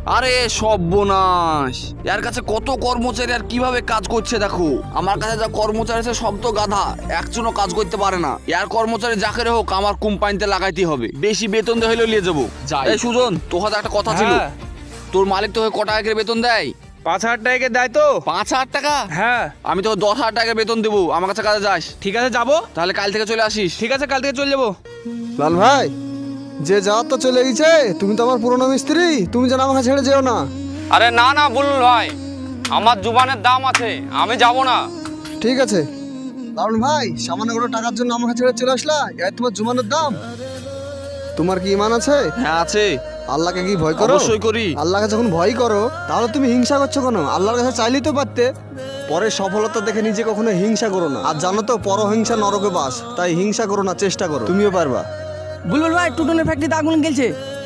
আরে সর্বনাশ, এর কাছে কত কর্মচারী আর কিভাবে কাজ করছে দেখো। আমার কাছে যা কর্মচারী আছে সব তো গাধা, একজনও কাজ করতে পারে না। এর কর্মচারী যাকে হোক আমার কোম্পানিতে লাগাইতে হবে, বেশি বেতন দিয়ে হলেও নিয়ে যাবো। এই সুজন, তোর হাতে একটা কথা ছিল। তোর মালিক তোকে ক টাকা করে বেতন দেয়? 5,000 টাকা দেয় তো। 5,000 টাকা? হ্যাঁ। আমি তোকে 10,000 টাকা বেতন দেবো, আমার কাছে কাজে যাস। ঠিক আছে যাবো। তাহলে কাল থেকে চলে আসিস। ঠিক আছে কাল থেকে চলে যাবো। লাল ভাই, যে যাওয়ার তো চলে গেছে, তুমি তো আমার পুরনো মিস্ত্রি, তুমি যেন আমাকে ছেড়ে যেও না। আরে না না বুলবুল ভাই, আমার জুবানের দাম আছে, আমি যাব না। ঠিক আছে লালন ভাই, সামান্য কোনো টাকার জন্য আমাকে ছেড়ে চলে আসলা? এই তোমার জুমানের দাম? তোমার কি ইমান আছে? হ্যাঁ আছে। আল্লাহকে কি ভয় করো? অবশ্যই করি। আল্লাহকে যখন ভয় করো তাহলে তুমি হিংসা করছো কেন? আল্লাহর কাছে চাইলেই তো পারতে। পরে সফলতা দেখে নিজে কখনো হিংসা করো না। আর জানো তো পরহিংসা নরকে বাস, তাই হিংসা করো না, চেষ্টা করো, তুমিও পারবা। বুলবুল ভাই, টুটনের ফ্যাক্টরিতে আগুন গেলছে।